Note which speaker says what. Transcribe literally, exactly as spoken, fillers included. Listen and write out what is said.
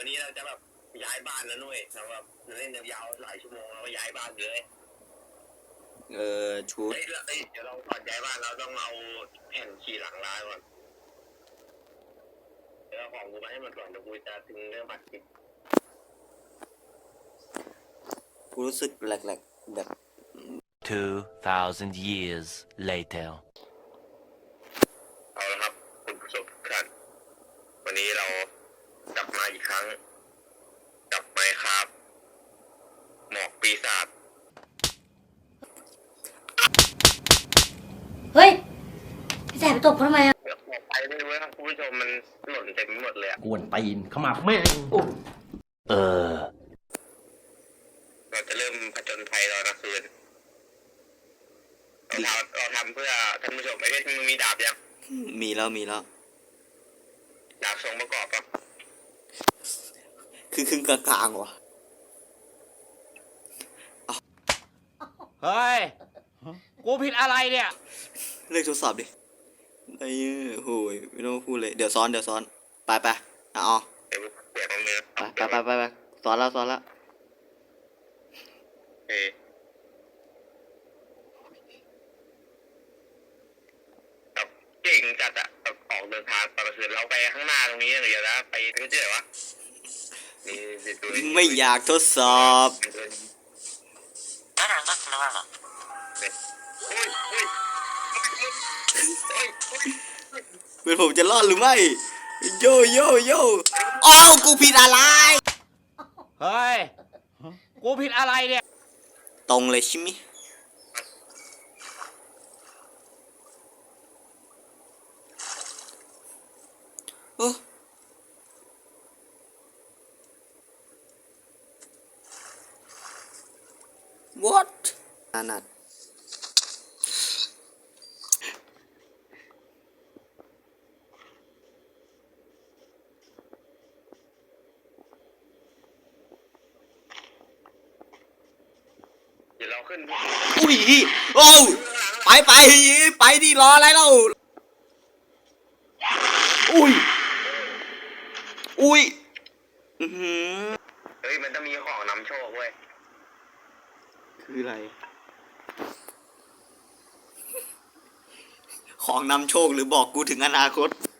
Speaker 1: วันนี้เราจะแบบย้ายบ้านแล้วนุ้ยเราแบบเล่นยาวหลายชั่วโมงแล้วก็ย้ายบ้านเลย
Speaker 2: เออชุด
Speaker 1: เฮ้ยเดี๋ยวเราก่อนย้ายบ้านเราต้องเอาแผ่นขี่หลังร้านก่อนเดี๋ยวเอาของกูมาให้มันก่อนเดี๋ยวกูจะถึงเรื่องบัตรคิด
Speaker 2: กูรู้สึกแหลกๆแบบ
Speaker 3: two thousand years later
Speaker 1: เอาละครับคุณผู้ชมทุกท่านวันนี้เรากลับมาอีกครั้งกลับมาครับหมอกปีศาจ
Speaker 4: เฮ้ยพี่แสบไปตบเขาทำไมอ่ะ
Speaker 1: เดี๋ยวหมอกไปไม่รู้นะคุณผู้ชมมันหล่นเต็มไปหมดเลยอะ
Speaker 5: กวนตีนเข้ามาแม่ง
Speaker 3: เออ
Speaker 1: เราจะเริ่มผจญภัยตอนกลางคืนเราทำเราทำเพื่อท่านผู้ชมไอ้เพชรมึงมีดาบยัง
Speaker 2: มีแล้วมีแล้ว
Speaker 1: ดาบทรงประกอบปะ
Speaker 2: คือครึ่งกลางๆวะ
Speaker 5: เฮ้ยกูผิดอะไรเนี่ย
Speaker 2: เลิกทดสอบดิไอ้โหยไม่ต้องพูดเลยเดี๋ยวซ้อนเดี๋ยวซ้อนไปไปเอาเอา
Speaker 1: เดี๋ยวเปลี่ยนมือ
Speaker 2: ไปไปไปไปซ้อนแล้วซ้อนแล้ว
Speaker 1: เฮ้แบบเก่งจัดอะแบบออกเดินทางตอนกลางคืนเราไปข้างหน้าตรงนี้อย่างเดียวนะไปก็เจอวะ
Speaker 2: ไม่อยากทดสอบ
Speaker 1: Better look normal
Speaker 2: เป็นผมจะรอดหรือไม่โยโยโยอ้าวกูผิดอะไร
Speaker 5: เฮ้ยกูผิดอะไรเนี่ย
Speaker 2: ตรงเลยใช่ไหมโอ้what นานัด
Speaker 1: เดี๋ยวเราขึ้น
Speaker 2: อุ้ยโอ้ไปไปไปดิรออะไรเล่าอุ้ยอุ้ยอือหือ
Speaker 1: เฮ้ยมันจะมีของนำโชคเว้ย
Speaker 2: คืออะไรของนำโชคหรือบอกกูถึงอนาคต